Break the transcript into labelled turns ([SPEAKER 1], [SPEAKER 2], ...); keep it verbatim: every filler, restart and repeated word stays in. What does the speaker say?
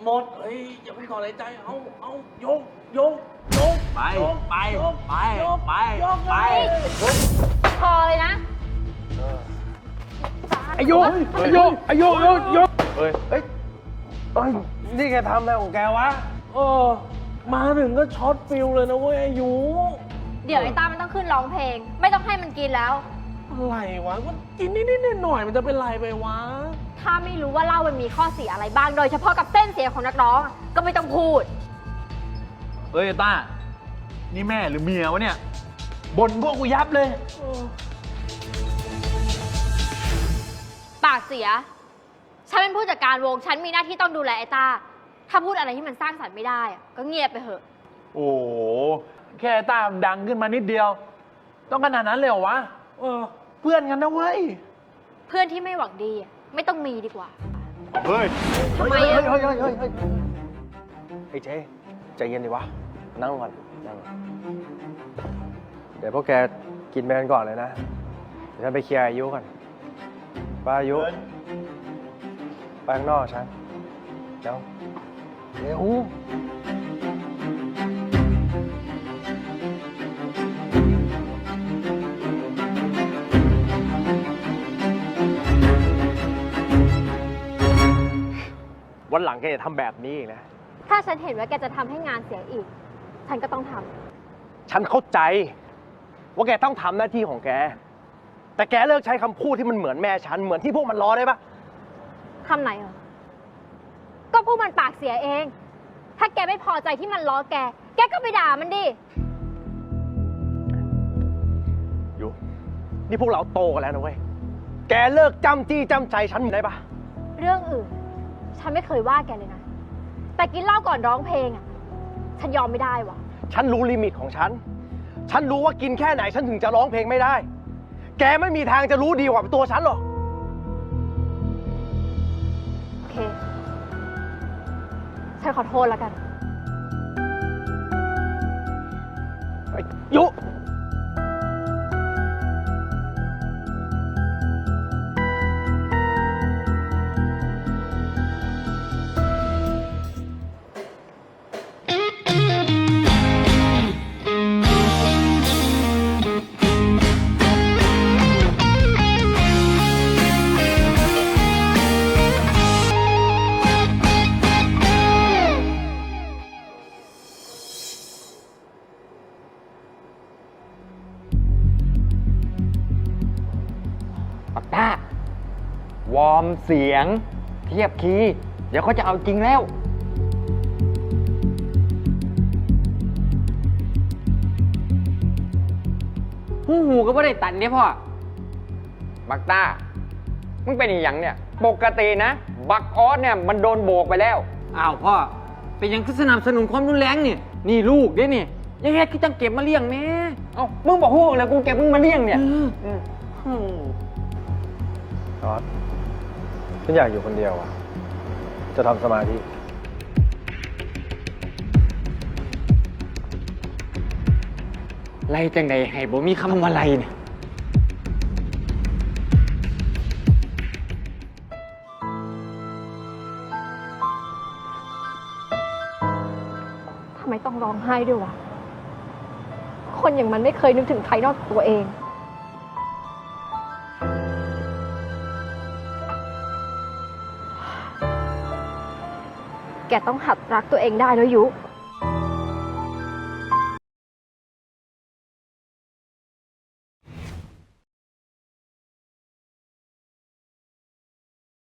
[SPEAKER 1] หมดเฮ้ยอย่าเพิ่งถอนหายใจเอาเอายกยกยก
[SPEAKER 2] ไปไปไปไปไป
[SPEAKER 3] พอเลยนะ
[SPEAKER 4] อายุอายุอายุอายุอายุ
[SPEAKER 2] เฮ้ย
[SPEAKER 4] เฮ้ยเอ้ยนี่แกทำอะไรของแกวะ
[SPEAKER 1] เออมาถึงก็ช็อตฟิลเลยนะเว้ยอายุ
[SPEAKER 3] เดี๋ยวไอ้ตามันต้องขึ้นร้องเพลง ไม่ต้องให้มันกินแล้ว
[SPEAKER 1] อะไรวะมันกินนิดๆหน่อยๆมันจะเป็นไรไปวะ
[SPEAKER 3] ถ้าไม่รู้ว่าเหล้ามันมีข้อเสียอะไรบ้าง โดยเฉพาะกับเส้นเสียงของนักร้องอะก็ไม่ต้องพูด
[SPEAKER 2] เฮ้ยต้านี่แม่หรือเมียวะเนี่ยบ่นพวกกูยับเลย
[SPEAKER 3] ปากเสีย ฉันเป็นผู้จัดการวง ฉันมีหน้าที่ต้องดูแลไอ้ตา ถ้าพูดอะไรที่มันสร้างสรรค์ไม่ได้อะก็เงียบไปเถอะ
[SPEAKER 2] โอ้โหแค่ต้าดังขึ้นมานิดเดียว ต้องขนาดนั้นเลยเหรอวะ
[SPEAKER 1] เออ
[SPEAKER 2] เพื่อนกันนะเว้ย
[SPEAKER 3] เพื่อนที่ไม่หวังดีอะไม่ต้องมีดีกว่า
[SPEAKER 2] เฮ้ย
[SPEAKER 3] ทำไม
[SPEAKER 4] เฮ้ย
[SPEAKER 3] อะ
[SPEAKER 4] เฮ้ยเฮ้ยเฮ้ยเฮ้ยไอ้เจ๊ใจเย็นดิวะ นั่งก่อนนั่งก่อนเดี๋ยวพวกแกกินไปกันก่อนเลยนะ เดี๋ยวฉันไปเคลียร์อายุก่อนป้าอายุไปข้างนอกฉันเดี๋ยวเดี๋ยววันหลังแกจะทำแบบนี้อีกนะ
[SPEAKER 3] ถ้าฉันเห็นว่าแกจะทำให้งานเสียอีก ฉันก็ต้องทำ
[SPEAKER 4] ฉันเข้าใจว่าแกต้องทำหน้าที่ของแก แต่แกเลิกใช้คำพูดที่มันเหมือนแม่ฉัน เหมือนที่พวกมันล้อได้ปะ
[SPEAKER 3] คำไหนเหรอ ก็พวกมันปากเสียเอง ถ้าแกไม่พอใจที่มันล้อแก แกก็ไปด่ามันดิ
[SPEAKER 4] อยู่ นี่พวกเราโตกันแล้วนะเว้ย แกเลิกจำจี้จำใจฉันได้ปะ
[SPEAKER 3] เรื่องอื่น ฉันไม่เคยว่าแกเลยนะ แต่กินเหล้าก่อนร้องเพลงอ่ะ ฉันยอมไม่ได้ว่ะ
[SPEAKER 4] ฉันรู้ลิมิตของฉัน ฉันรู้ว่ากินแค่ไหนฉันถึงจะร้องเพลงไม่ได้ แกไม่มีทางจะรู้ดีกว่าตัวฉันหรอก
[SPEAKER 3] โอเค ฉันขอโทษแล้วกัน
[SPEAKER 4] ไอ้ยุ
[SPEAKER 5] ปักต้าวอร์มเสียง เทียบคีย์เดี๋ยวเขาจะเอาจริงแล้วหูหูก็ไม่ได้ตันเนี่ยพ่อ บักต้า มึงเป็นอีหยังเนี่ย ปกตินะ บักออสเนี่ยมันโดนโบกไปแล้ว อ้าวพ่อ เป็นยังคือสนับสนุนความรุนแรงเนี่ยนี่ลูกเด้เนี่ยยังไงคือจังเก็บมาเลี้ยงแม่เอ้ามึงบอกฮู้แล้วกูเก็บมึงมาเลี้ยงเนี่ย
[SPEAKER 4] ออสฉันอยากอยู่คนเดียวอ่ะ จะทำสมาธิ
[SPEAKER 5] ไล่จังใดให้บ่มีคำว่าไล่เนี่ย
[SPEAKER 3] ทำไมต้องร้องไห้ด้วยวะ คนอย่างมันไม่เคยนึกถึงใครนอกจากตัวเอง แกต้องหัดรักตัวเองได้แล้วยุ